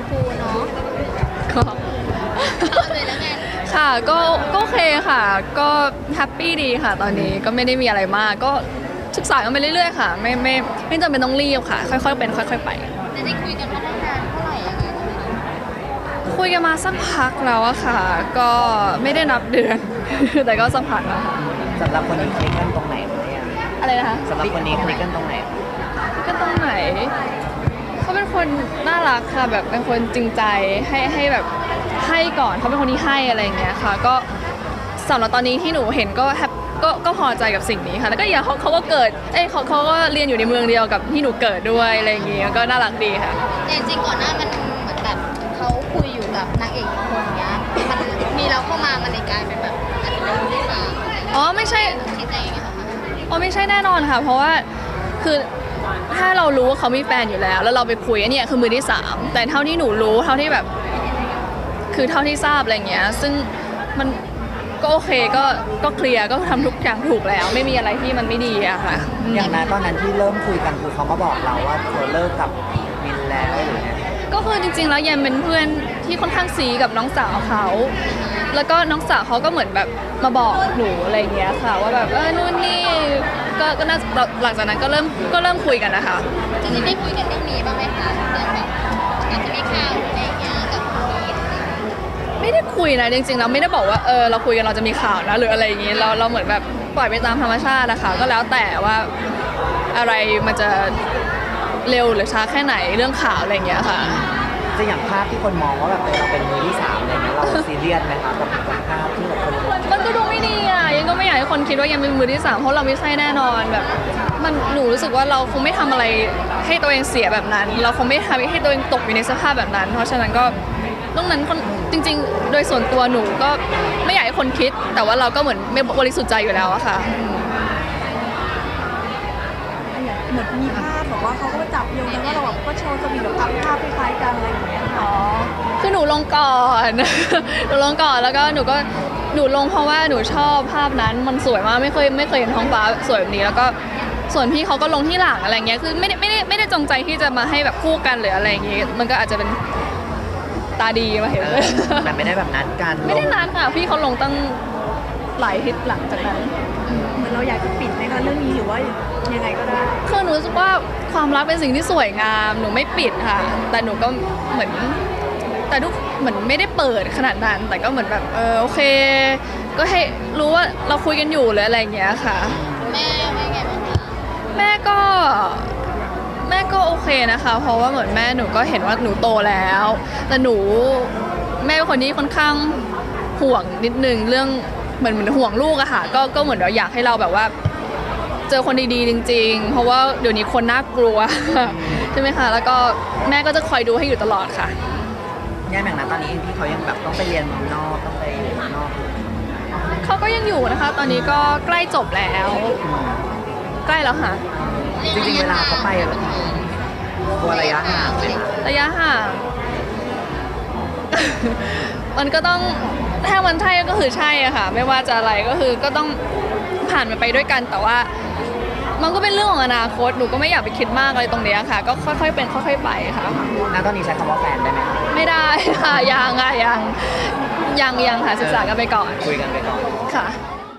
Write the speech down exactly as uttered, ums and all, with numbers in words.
คูเนาะก็เลยแล้วไงค่ะก็ก็โอเคค่ะ ก็แฮปปี้ดีค่ะ ตอนนี้ก็ไม่ได้มีอะไรมากก็ศึกษากันไปเรื่อยๆค่ะไม่ไม่ไม่จำเป็นต้องรีบค่ะ ค่อยๆเป็นค่อยๆไปจะได้คุยกันมาได้นานเท่าไหร่ยังไงนะคะคุยกันมาสักพักแล้วอะค่ะ ก็ไม่ได้นับเดือน แต่ก็สักพักแล้วค่ะสำหรับคนนี้คลิกกันตรงไหนไหมอะอะไรนะคะสำหรับคนนี้คลิกกันตรงไหนก็ตรงไหนเขาเป็นคนน่ารักค่ะแบบเป็นคนจริงใจให้ให้แบบให้ก่อนเขาเป็นคนที่ให้อะไรอย่างเงี้ยค่ะก็สำหรับตอนนี้ที่หนูเห็นก็แฮปก็ก็พอใจกับสิ่งนี้ค่ะแล้วก็อย่างเขาเขาก็เกิดเอ้ยเขาเขาก็เรียนอยู่ในเมืองเดียวกับที่หนูเกิดด้วยอะไรอย่างเงี้ยก็น่ารักดีค่ะแต่จริงก่อนหน้ามันเหมือนแบบเขาคุยอยู่กับนางเอกอีกคนเงี้ยมันมีเราเข้ามามันเลยกลายเป็นแบบอาจจะเป็นที่มาอ๋อไม่ใช่คิดอะไรอย่างเงี้ยค่ะอ๋อไม่ใช่แน่นอนค่ะเพราะว่าคือถ้าเรารู้ว่าเขามีแฟนอยู่แล้วแล้วเราไปคุยอันนี้คือมือที่สามแต่เท่าที่หนูรู้เท่าที่แบบคือเท่าที่ทราบอะไรเงี้ยซึ่งมันก็โอเคก็ก็เคลียร์ก็ทำทุกอย่างถูกแล้วไม่มีอะไรที่มันไม่ดีอะค่ะอย่างนั้นตอนนั้นที่เริ่มคุยกันคือเขามาบอกเราว่าเธอเลิกกับมินแล้วหรือไงก็คือจริงๆแล้วยันเป็นเพื่อนที่ค่อนข้างซีกับน้องสาวเขาแล้วก็น้องสาวเขาก็เหมือนแบบมาบอกหนูอะไรเงี้ยค่ะว่าแบบเออนู่นนี่ก็ก็น่าหลังจากนั้นก็เริ่มก็เริ่มคุยกันนะคะจริงๆได้คุยกันเรื่องนี้บ้างไหมคะเรื่องแบบอาจจะมีข่าวอะไรอย่างเงี้ยกับคนนี้ไม่ได้คุยนะจริงๆเราไม่ได้บอกว่าเออเราคุยกันเราจะมีข่าวนะหรืออะไรอย่างงี้เราเราเหมือนแบบปล่อยไปตามธรรมชาตินะคะก็แล้วแต่ว่าอะไรมันจะเร็วหรือช้าแค่ไหนเรื่องข่าวอะไรอย่างเงี้ยค่ะจะอย่างภาพที่คนมองว่าแบบเราเป็นมือที่สามอะไรเงี้ยเราซีเรียสไหมคะกับภาพที่แบบคนมันก็ดูไม่ดีอ่ะยังก็ไม่อยากให้คนคิดว่ายังเป็นมือที่สามเพราะเราไม่ใช่แน่นอนแบบมันหนูรู้สึกว่าเราคงไม่ทำอะไรให้ตัวเองเสียแบบนั้นเราคงไม่ทำให้ตัวเองตกอยู่ในสภาพแบบนั้นเพราะฉะนั้นก็ตรงนั้นจริงๆโดยส่วนตัวหนูก็ไม่อยากให้คนคิดแต่ว่าเราก็เหมือนไม่บริสุทธิ์ใจอยู่แล้วอะค่ะเหมือนมีภาพบอกว่าเขาก็มาจับโยงกันว่าเราแบบก็โชว์สวีทแบบอัพภาพคล้ายๆกันอะไรอย่างเงี้ยอ๋อคือหนูลงก่อน หนูลงก่อนแล้วก็หนูก็หนูลงเพราะว่าหนูชอบภาพนั้นมันสวยมากไม่เคยไม่เคยเห็นท้องฟ้าสวยแบบนี้แล้วก็ส่วนพี่เขาก็ลงที่หลังอะไรเงี้ยคือไม่ได้ไม่ได้ไม่ได้จงใจที่จะมาให้แบบคู่กันหรืออะไรอย่างงี้มันก็อาจจะเป็นตาดีมาเห็นเลยแต่ไม่ได้แบบนัดกันไม่ได้นัดค่ะพี่เขาลงตั้งหลายอาทิตย์หลังจากนั้นเหมือนเราอยากจะปิดไหมคะเรื่องนี้หรือว่ายังไงก็ได้คือหนูรู้สึกว่าความรักเป็นสิ่งที่สวยงามหนูไม่ปิดค่ะแต่หนูก็เหมือนแต่ทุกเหมือนไม่ได้เปิดขนาดนั้นแต่ก็เหมือนแบบเออโอเคก็ให้รู้ว่าเราคุยกันอยู่หรืออะไรอย่างเงี้ยค่ะแม่แม่ไงบ้างคะแม่ก็แม่ก็โอเคนะคะเพราะว่าเหมือนแม่หนูก็เห็นว่าหนูโตแล้วแต่หนูแม่เป็นคนที่ค่อนข้างห่วงนิดนึงเรื่องเหมือนเหมือนห่วงลูกอะค่ะก็ก็เหมือนเราอยากให้เราแบบว่าเจอคนดีๆจริงๆเพราะว่าเดี๋ยวนี้คนน่ากลัวใช่ไหมคะแล้วก็แม่ก็จะคอยดูให้อยู่ตลอดค่ะย่าแม่งนะตอนนี้พี่เขายังแบบต้องไปเรียนนอกต้องไปอยู่นอกเขาก็ยังอยู่นะคะตอนนี้ก็ใกล้จบแล้วใกล้แล้วค่ะจริงๆเวลาเขาไปตัวระยะห่างไหมคะระยะห่างมันก็ต้องถ้ามันใช่ก็คือใช่อะค่ะไม่ว่าจะอะไรก็คือก็ต้องผ่านมันไปด้วยกันแต่ว่ามันก็เป็นเรื่องของอนาคตหนูก็ไม่อยากไปคิดมากอะไรตรงนี้ค่ะก็ค่อยๆเป็นค่อยๆไปค่ะณตอนนี้ใช้คำว่าแฟนได้ไหมคะไม่ได้ค่ะยังค่ะยังยังยังค่ะศึกษากันไปก่อนคุยกันไปก่อนค่ะ